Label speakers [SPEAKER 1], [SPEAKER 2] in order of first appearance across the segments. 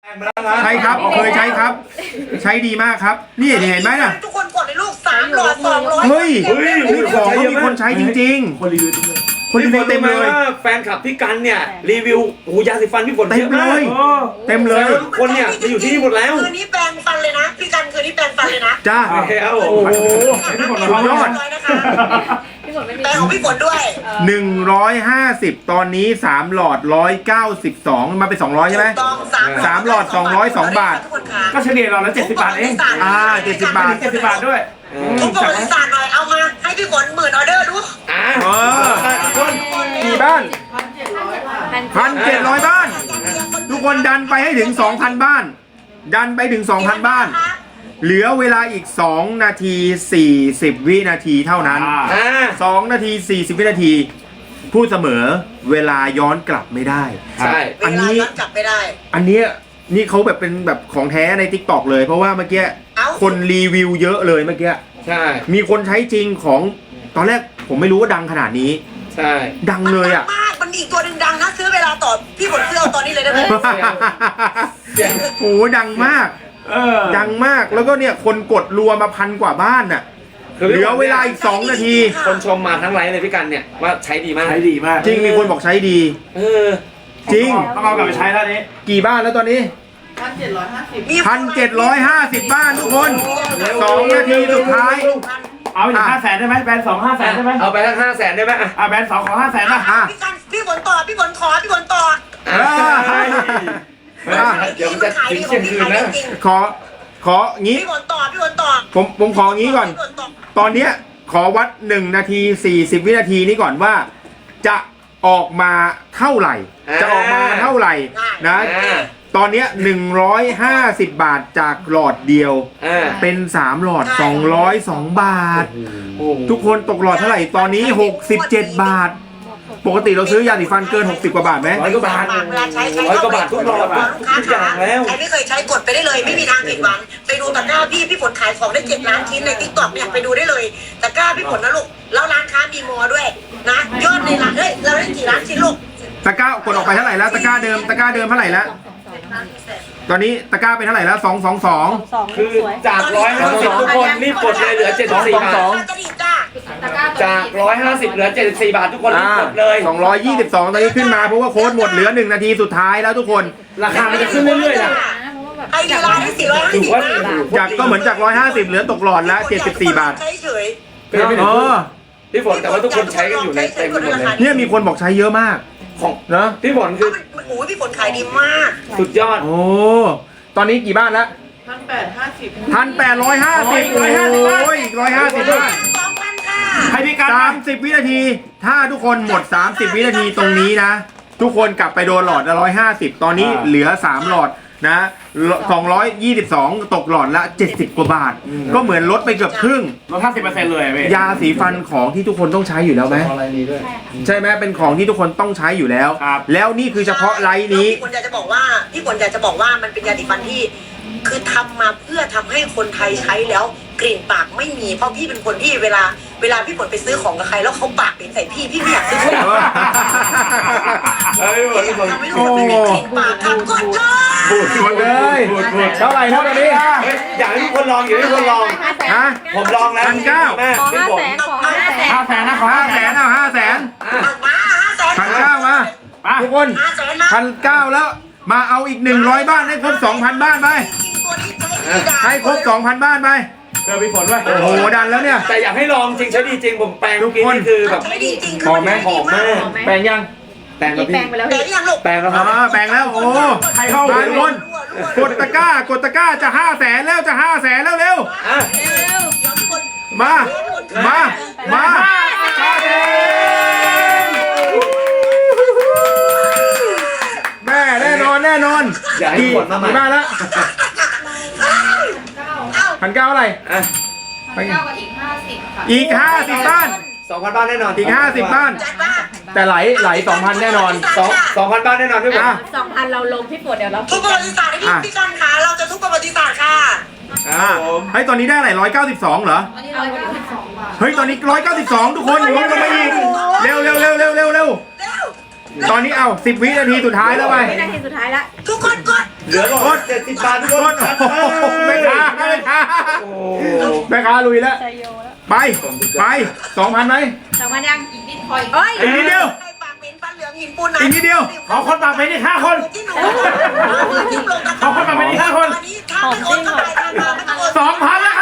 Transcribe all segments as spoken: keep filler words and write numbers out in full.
[SPEAKER 1] ใช่ครับเคยใช้ครับใช้ดีมากครับนี่เห็นไหมน่ะ
[SPEAKER 2] ทุกคนกดในลูกสามหลอดสองร้อย
[SPEAKER 1] เฮ้ยมีของก็มีคนใช้จริงๆคนรีวิวคนรีวิวเต็มเลย
[SPEAKER 3] แฟนคลับพี่กันเนี่ยรีวิวหูยาสีฟันพี่ฝน
[SPEAKER 1] เต็มเลยเต็มเลย
[SPEAKER 3] คนเนี่ยไปอยู่ที่นี่หมดแล้ว
[SPEAKER 2] คืนนี้แปรงฟันเลยนะพี่กันคืนนี้แปรงฟันเลยนะ
[SPEAKER 1] จ้า
[SPEAKER 3] แล้วโอ้
[SPEAKER 1] โหสุดยอด
[SPEAKER 2] แปรงของพี่ฝนด้วย
[SPEAKER 1] หนึ่งร้อยห้าสิบตอนนี้สามหลอดร้อยเก้าสิบสองมาเป็นสองร้อยใช่ไหมสามหลอดสองร้อยสองบาท
[SPEAKER 4] ก็เฉลี่ยเราแล้วเจ็ดสิบบาทเอง
[SPEAKER 1] อ่าเจ็ดสิบบาท
[SPEAKER 4] เจ็ดสิบบาทด้วย
[SPEAKER 2] ทุกคนสั่งหน่อยเอามาให้พี่ฝนหมื่นออเดอร์ดู
[SPEAKER 3] อ่า
[SPEAKER 1] กี่บ้านพันเจ็ดร้อยบ้านทุกคนดันไปให้ถึงสองพันบ้านดันไปถึงสองพันบ้านเหลือเวลาอีกสองนาทีสี่สิบวินาทีเท่านั้นสองนาทีสี่สิบวินาทีพูดเสมอเวลาย้อนกลับไม่ได้
[SPEAKER 3] ใช่
[SPEAKER 1] อันนี้
[SPEAKER 2] ย้อนกลับไม่ได้
[SPEAKER 1] อันนี้นี่เขาแบบเป็นแบบของแท้ใน ติ๊กต็อก เลยเพราะว่าเมื่อกี้คนรีวิวเยอะเลยเมื่อกี้
[SPEAKER 3] ใช่
[SPEAKER 1] มีคนใช้จริงของตอนแรกผมไม่รู้ว่าดังขนาดนี้
[SPEAKER 3] ใช่
[SPEAKER 1] ดังเลยอ่ะ
[SPEAKER 2] มากมันอีกตัวหนึ่งดังนะซื้อเวลาต่อพี่ฝนซื้อเอาตอนนี้เลยได้ไหม
[SPEAKER 1] โอ้ดังมากดังมากแล้วก็เนี่ยคนกดรัวมาพันกว่าบ้านน่ะเหลือเวลาอีกสองนาที
[SPEAKER 3] คนชมมาทั้งไลฟ์เลยพี่กันเนี่ยว่าใช้ดีมาก
[SPEAKER 4] ใช้ดีมาก
[SPEAKER 1] จริงมีคนบอกใช้ดี
[SPEAKER 3] เออ
[SPEAKER 1] จริง
[SPEAKER 4] ต้องเอากลับไปใช้แล้วนี้
[SPEAKER 1] กี่บ้านแล้วตอนนี้
[SPEAKER 5] พันเจ็ดร้อยห้าสิบ
[SPEAKER 1] พันเจ็ดร้อยห้าสิบบ้านทุกคนสองนาทีสุดท้าย
[SPEAKER 4] เอาไปถึงห้าแสนได้ไหมแบรนด์สองห้าแสนได้ไหม
[SPEAKER 3] เอาไปทั้งห้าแสนได้ไหม
[SPEAKER 4] อ่ะแบรนด์สองของห้าแสนนะ
[SPEAKER 2] พี่กันพี่ฝนต่อพี่ฝนขอพี่ฝนต่อ
[SPEAKER 3] เดี๋ยวจะถึงเที่ยงคืนนะ
[SPEAKER 1] ขอของี้
[SPEAKER 2] พี่ฝนต่อพี่ฝนต่อ
[SPEAKER 1] ผมผมของี้ก่อนตอนเนี้ยขอวัดหนึ่งนาทีสี่สิบวินาทีนี้ก่อนว่าจะออกมาเท่าไหร่จะออกมาเท่าไหร่นะตอนนี้หนึ่งร้อยห้าสิบบาทจากหลอดเดียวเป็นสามหลอดสองร้อยสองบาททุกคนตกหลอดเท่าไหร่ตอนนี้หกสิบเจ็ดบาทปกติเราซื้อยาสีฟันเกินหกสิบกว่าบาทไหม
[SPEAKER 3] ร้อยกว่าบาทร้อยกว่าบาททุกหลอดทุกอย่างแล้ว
[SPEAKER 2] ใครไม่เคยใช้กดไปได้เลยไม่มีทางผิดหวังไปดูตะกร้าพี่พี่ฝนขายของได้เจ็ดล้านชิ้นในติ๊กต็อกเนี่ยไปดูได้เลยตะกร้าพี่ฝนนะลูกแล้วร้านค้ามีมอด้วยนะยอดในร้านเฮ้ยเราได้กี่ล้านชิ้นลูก
[SPEAKER 1] ตะกร้ากดออกไปเท่าไหร่แล้วตะกร้าเดิมตะกร้าเดิมเท่าไหร่แล้วตอนนี้ตะกร้าเป็นเท่าไหร่แล้วสองสองสอง
[SPEAKER 3] คือจากร้อยห้าสิบทุกคนรีบกดเลยเหลือเจ็ดสิบสี่บาทจากร้อยห้าสิบเหลือเจ็ดสิบสี่บาททุกคนรีบกดเลย
[SPEAKER 1] สองร้อยยี่สิบสองตอนนี้ขึ้นมาเพราะว่าโค้ดหมดเหลือหนึ่งนาทีสุดท้ายแล้วทุกคน
[SPEAKER 4] ราคามันจะขึ้นเรื่อยๆนะ
[SPEAKER 2] ไอ้ดีไลน์ได้สี่ร้อยห้าสิบ
[SPEAKER 1] จากก็เหมือนจากร้อยห้าสิบเหลือตกหลอดแล้วเจ็ดสิบสี่บาท
[SPEAKER 3] เออพี่ฝนแต่ว่าทุกคนใช้กันอยู่ในเต็มหมดเลย
[SPEAKER 1] เนี่ยมีคนบอกใช้เยอะมาก
[SPEAKER 3] ของ
[SPEAKER 1] เนาะ
[SPEAKER 3] พี่ฝนคือ
[SPEAKER 2] โอ้ยพี่ฝนขายดีมาก
[SPEAKER 3] สุดยอด
[SPEAKER 1] โอ้ตอนนี้กี่บ้านแล้ว
[SPEAKER 5] พันแปดห้าสิบ
[SPEAKER 1] พันแปดร้อยห้าสิบโอ้ยร้อยห้าสิบบ้าน
[SPEAKER 4] ให้พี่การ
[SPEAKER 1] สามสิบวินาทีถ้าทุกคนหมดสามสิบวินาทีตรงนี้นะทุกคนกลับไปโดนหลอดละร้อยห้าสิบตอนนี้เหลือสามหลอดนะสองร้อยยี่สิบสองตกหลอดละเจ็ดสิบกว่าบาทก็เหมือนลดไปเกือบครึ่ง
[SPEAKER 4] ลดห้าสิบเปอร์เซ็นต์เลย
[SPEAKER 1] ยาสีฟันของที่ทุกคนต้องใช้อยู่แล้วไหมใช่ไหมเป็นของที่ทุกคนต้องใช้อยู่แล้วแล้วนี่คือเฉพาะไลน์นี้
[SPEAKER 2] พี่ฝนอยากจะบอกว่าพี่ฝนอยากจะบอกว่ามันเป็นยาสีฟันที่คือทำมาเพื่อทำให้คนไทยใช้แล้วกลิ่นปากไม่มีเพราะพี่เป็นคนที่เวลาเวลาพี่ฝนไปซื้อของกับใครแล้วเขาปากเป็นใส่พี่พี่ไม่อยากซื้อของทำให้ทุกคนไม่มีกลิ่นปากทำกดเลย
[SPEAKER 1] พูดหมดเลยเท่าไหร่เท่านี้
[SPEAKER 3] อยากให้ทุกคนลองอยากให้ทุกคนลอง
[SPEAKER 1] ฮะ
[SPEAKER 3] ผมลองแล้ว
[SPEAKER 1] พันเก้า
[SPEAKER 5] ขอห้าแสนขอห้าแสน
[SPEAKER 4] ห้าแสนนะขอ
[SPEAKER 1] ห้าแสนเอาห้าแสนพันเก้ามาทุกคนพันเก้าแล้วมาเอาอีกหนึ่งร้อยบ้านให้ครบสองพันบ้านไปให้ครบสองพันบ้านไป
[SPEAKER 4] เจอพี่ฝนด้วย
[SPEAKER 1] โอ้โหดันแล้วเนี่ย
[SPEAKER 3] แต่อยากให้ลองจริงใช้ดีจริงผมแปลงทุกคนคือแบบ
[SPEAKER 1] หอมไหม
[SPEAKER 3] หอมมาก
[SPEAKER 1] แปลงยัง
[SPEAKER 3] แปลงแล้วพี่
[SPEAKER 5] แปลงไปแล้วพี่
[SPEAKER 3] แปลงแล้วครับ
[SPEAKER 1] แปลงแล้วโอ้ใครเข้าทุกคนกดตะกร้ากดตะกร้าจะห้าแสนแล้วจะห้าแสนแล้วเร็วมามามาแม่แน่นอนแน่นอนกี่กี่บ้านแล้วพันเก้าอะไร
[SPEAKER 5] พันเก้ากับอีกห้าสิบค่ะ
[SPEAKER 1] อีกห้าสิบบ้าน
[SPEAKER 3] สองพันบ้านแน่นอน
[SPEAKER 1] อีกห้าสิบบ้านแต่ไหลไหลสองพันแน่นอน
[SPEAKER 3] สองสองพันบ้านแน่นอนพี่ฝน
[SPEAKER 5] สองพันเราลงพี่ฝนเดี๋ยวเรา
[SPEAKER 2] ทุกประวัติศาสตร์ให้พี่กันค่ะเราจะทุกประวัติศาสตร์ค่ะ
[SPEAKER 1] เฮ้ยตอนนี้ได้อะไรร้อยเก้าสิบสองเหรอ
[SPEAKER 5] ตอนนี้ร้อยเก้าสิบสองบาท
[SPEAKER 1] เฮ้ยตอนนี้ร้อยเก้าสิบสองทุกคนลงกันไปอีกเร็วเร็วเร็วเร็วเร็วเร็วตอนนี้เอาสิบวินาทีสุดท้ายแล้วไป
[SPEAKER 5] วินาทีสุดท้ายแล้ว
[SPEAKER 2] ทุกคนกด
[SPEAKER 3] เหลือร้อยเจ็ดสิบบาททุก
[SPEAKER 1] โค
[SPEAKER 3] คน
[SPEAKER 1] ตรโอ้โหแม่ค้าแม่ค้า
[SPEAKER 3] โอ้
[SPEAKER 1] แม่ค้าลุยแล้ว
[SPEAKER 5] ใจโยแล้ว
[SPEAKER 1] ไปไปสองพันไหม
[SPEAKER 5] สองพันยังอีกนิดพออีกเอ้ย
[SPEAKER 1] อีกนิดเดียว
[SPEAKER 2] ใครปากเหม็นฟันเหลืองหินปูนไหน
[SPEAKER 1] อีกนิดเดียว
[SPEAKER 4] ขอคนปากเป็นอีกห้าคน
[SPEAKER 2] ที่หนูยิ้มลงตะ
[SPEAKER 4] ขอคนปากเป็นอีกห้าคน
[SPEAKER 2] วันนี้ถ้าไม่โอนก็ไปทางมาไม่ต้องโอน
[SPEAKER 1] สองพันแล้วครับ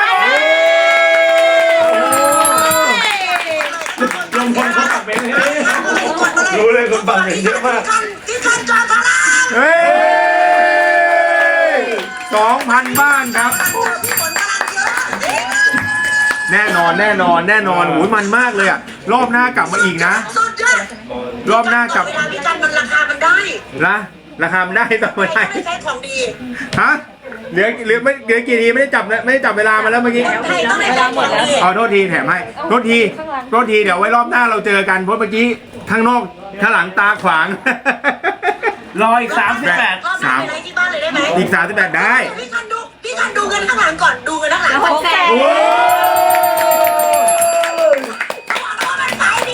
[SPEAKER 4] ลงคนเขาปากเป็นเลย
[SPEAKER 3] รู้เลยคนปากเหม็นเยอะมาก
[SPEAKER 2] ที่คันจอพารา
[SPEAKER 1] เฮ้ยสองพันบ้านครับ
[SPEAKER 2] พี่ฝนกำลังเยอะ
[SPEAKER 1] แน่นอนแน่นอนแน่นอนหูยมันมากเลยอะรอบหน้ากลับมาอีกนะ
[SPEAKER 2] สุดยอด
[SPEAKER 1] รอบหน้ากลับ
[SPEAKER 2] เวลาพี่กันมันราคามันได้
[SPEAKER 1] นะราคามันได้ต่อ
[SPEAKER 2] ไม่
[SPEAKER 1] ไม่ได้
[SPEAKER 2] ได้ใช้ของดี
[SPEAKER 1] ฮะเหลือเหลือไม่เหลือกี่ทีไม่ได้จับนะไม่ได้จับเวลามาแล้วเมื่อกี้
[SPEAKER 2] ไทยต้องได้ใช้ของดี
[SPEAKER 1] เอาโทษทีแถมให้โทษทีโทษทีเดี๋ยวไว้รอบหน้าเราเจอกันเพราะเมื่อกี้ข้างนอกข้างหลังตาขวาง
[SPEAKER 4] รออีกสามสิบแปด
[SPEAKER 2] รอบหน้าไปไหนที่บ้านเลยได้ไหม
[SPEAKER 1] อีกสามสิบแปดได้
[SPEAKER 2] พี่กันดูพี่กันดูเงินข้างหลังก่อนดูเงินข้างหลัง
[SPEAKER 5] แล้ว
[SPEAKER 2] ก่
[SPEAKER 5] ห
[SPEAKER 2] อน
[SPEAKER 5] กแสน
[SPEAKER 1] โอ้
[SPEAKER 2] มันขายดี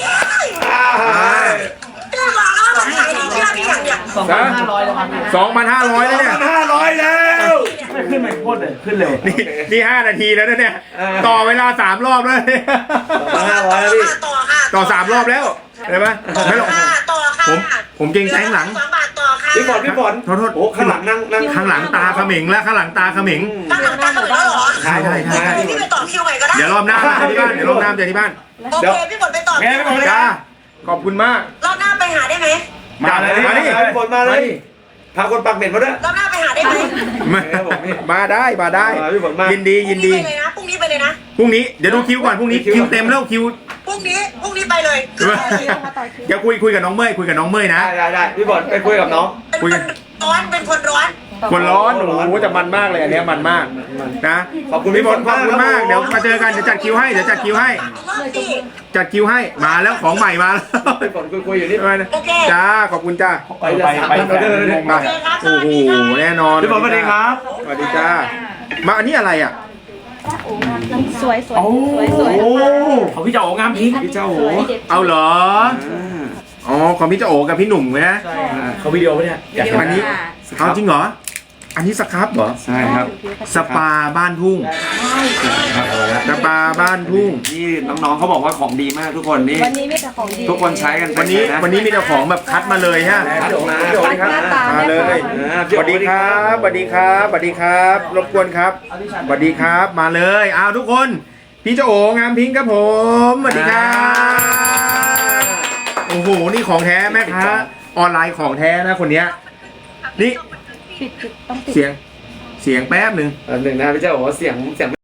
[SPEAKER 2] พี่บอกแล้วมันขายดีเชื่อพี่อย่างเดียว
[SPEAKER 1] สองพันห้าร้อยแล้วสองพันห้าร้อยแล้วเนี่ย
[SPEAKER 3] ห้าร้อยแล้ว
[SPEAKER 4] ไม่ขึ้นไปโคตรเลยขึ้นเร็ว
[SPEAKER 1] นี่นี่ห้านาทีแล้วนะเนี่ย
[SPEAKER 3] เออ
[SPEAKER 1] ต่อเวลาสามรอบแล้วเนี่ย
[SPEAKER 3] ห้าร้อยแล้วพี่
[SPEAKER 2] ต่อค่ะ
[SPEAKER 1] ต่อสามรอบแล้วเห็นไหม
[SPEAKER 2] ต่อ
[SPEAKER 1] ไม่หรอก
[SPEAKER 2] ค่ะต่อค่ะ
[SPEAKER 1] ผมผมเกรงใจข้างหลัง
[SPEAKER 2] สองบาทต่อค่ะ
[SPEAKER 3] พี่ฝนพี่ฝน
[SPEAKER 1] โทษโทษ
[SPEAKER 3] โอ้ข้างหลังนั่งนั่ง
[SPEAKER 1] ข้างหลังตาเขมิงแล้วข้างหลังตาเขมิง
[SPEAKER 2] ข้างหลังตาเขาเหมือนแล้วเหรอ
[SPEAKER 1] ใช่ใช่ใช่
[SPEAKER 2] พี่ไปต่อคิวใหม่ก็ได้
[SPEAKER 1] เดี๋ยวรอบหน้ามาเจอที่บ้านเดี๋ยวรอบหน้ามาเจอที่บ้าน
[SPEAKER 2] โอเคพี่ฝนไปต่อ
[SPEAKER 4] แกไม่บอกเลย
[SPEAKER 1] จ้าขอบคุณมาก
[SPEAKER 2] รอบหน้าไปหาได้ไหม
[SPEAKER 4] มาเลย
[SPEAKER 1] มาดิ
[SPEAKER 3] พี่ฝนมาเลยพาคนปากเหม็นมาด้วย
[SPEAKER 2] รอบหน้าไปหาได้ไหม
[SPEAKER 1] มา
[SPEAKER 3] ครับผมพี่
[SPEAKER 1] มาได้มาได้
[SPEAKER 3] มาพี่ฝนมายิ
[SPEAKER 1] ยินดียินดี
[SPEAKER 2] พรุ่งนี้ไปเลยนะพรุ่งนี้ไปเลยนะ
[SPEAKER 1] พรุ่งนี้เดี๋ยวดูคิวก่อนพรุ่งนี้
[SPEAKER 3] คิว
[SPEAKER 1] คิวเต็มแล้วคิว
[SPEAKER 2] พรุ่งนี้พรุ่งนี้ไปเลย
[SPEAKER 1] เดี๋ยวคุยคุยกับน้องเมย์คุยกับน้องเมย์นะ
[SPEAKER 3] ได้ได้ได้พี่ฝนไปคุยกับน้อง
[SPEAKER 2] เป็นคนร้อนเป็นคนร้อน
[SPEAKER 1] คนร้อนโอ้โหจะมันมากเลยอันเนี้ยมันมากนะ
[SPEAKER 3] ขอบคุณ
[SPEAKER 1] พี่ฝน
[SPEAKER 3] พี่ฝน
[SPEAKER 1] ขอบคุณมาก
[SPEAKER 3] ครับ
[SPEAKER 1] เดี๋ยวมาเจอกันเดี๋ยวจัดคิวให้เดี๋ยวจัดคิวให้
[SPEAKER 2] รอบที่
[SPEAKER 1] จัดคิวให้มาแล้วของใหม่มาแล้ว
[SPEAKER 3] พี่ฝนคุยคุยอยู่นี่
[SPEAKER 2] โอเค
[SPEAKER 1] จ้าขอบคุณจ้า
[SPEAKER 4] ไปไปไปแสนเลย
[SPEAKER 1] มาโอ้โหแน่นอน
[SPEAKER 3] พี่ฝนสวัสดีครับ
[SPEAKER 1] สวัสดีจ้ามาอันนี้อะไรอ่ะ
[SPEAKER 5] สวยสวย
[SPEAKER 4] โอ้
[SPEAKER 5] สวยสวย
[SPEAKER 1] โอ้
[SPEAKER 4] เขาพี่เจ้าโองามพิง
[SPEAKER 3] พี่เจ้าโห
[SPEAKER 1] เอาเหรออ๋อของพี่เจ้าโอกับพี่หนุ่มนะ
[SPEAKER 4] เขาวิดีโอปะเนี่ยอยากเห็น
[SPEAKER 1] อันนี้เอาจริงเหรออันนี้สครับเหรอ
[SPEAKER 3] ใช่ครับ
[SPEAKER 1] สปาบ้านทุ่งสปาบ้านทุ่ง
[SPEAKER 3] นี่น้องๆเขาบอกว่าของดีมากทุกคนนี่
[SPEAKER 5] วันนี้มีแต่ของดี
[SPEAKER 3] ทุกคนใช้กัน
[SPEAKER 1] วันนี้วันนี้มีแต่ของแบบคัดมาเลยฮะ
[SPEAKER 3] คัดออกมา
[SPEAKER 1] สวัสดีครับมาเลยสวัสดีครับสวัสดีครับสวัสดีครับ รบกวนครับสวัสดีครับมาเลยอ้าวทุกคน พี่เจ้าโองามพิงค์ครับผมสวัสดีครับโอ้โหนี่ของแท้แม่ค้าออนไลน์ของแท้นะคนเนี้ยนี่
[SPEAKER 5] ปิดปิดต้องปิด
[SPEAKER 1] เสียงเสียงแป๊บหนึ่ง
[SPEAKER 3] อันหนึ่งนะพี่เจ้าบอกว่าเสียงเสียง